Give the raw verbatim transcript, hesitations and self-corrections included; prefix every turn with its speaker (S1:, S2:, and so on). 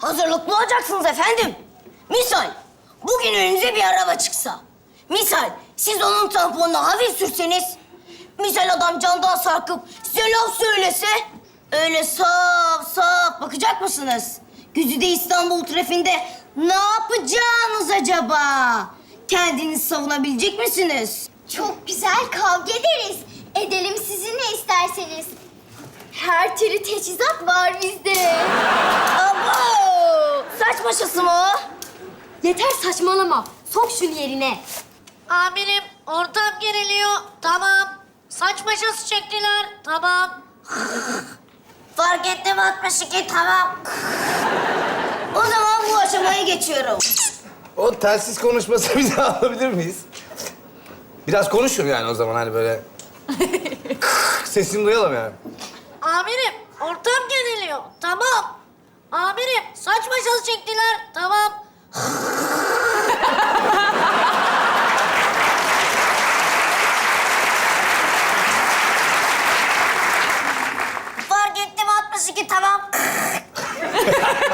S1: Hazırlıklı olacaksınız efendim. Misal, bugün önünüze bir araba çıksa. Misal, siz onun tamponuna hafif sürseniz. Misal adam camdan sarkıp size laf söylese. Öyle saf saf bakacak mısınız? Güzide İstanbul trafiğinde ne yapacağınız acaba? Kendinizi savunabilecek misiniz?
S2: Çok güzel kavga ederiz. Edelim sizin ne isterseniz. Her türlü teçhizat var bizde.
S1: Abo! Saç başısı mı o?
S2: Yeter saçmalama. Sok şunu yerine.
S3: Amirim, ortam geriliyor. Tamam. Saç maşası çektiler. Tamam.
S1: Fark ettim altmış iki, tamam. O zaman bu aşamaya geçiyorum.
S4: O telsiz konuşması bir daha alabilir miyiz? Biraz konuşun yani o zaman hani böyle... Sesini duyalım yani.
S3: Amirim, ortam geriliyor. Tamam. Amirim, saç maşası çektiler. Tamam.
S1: Fark ettim altmış iki, tamam.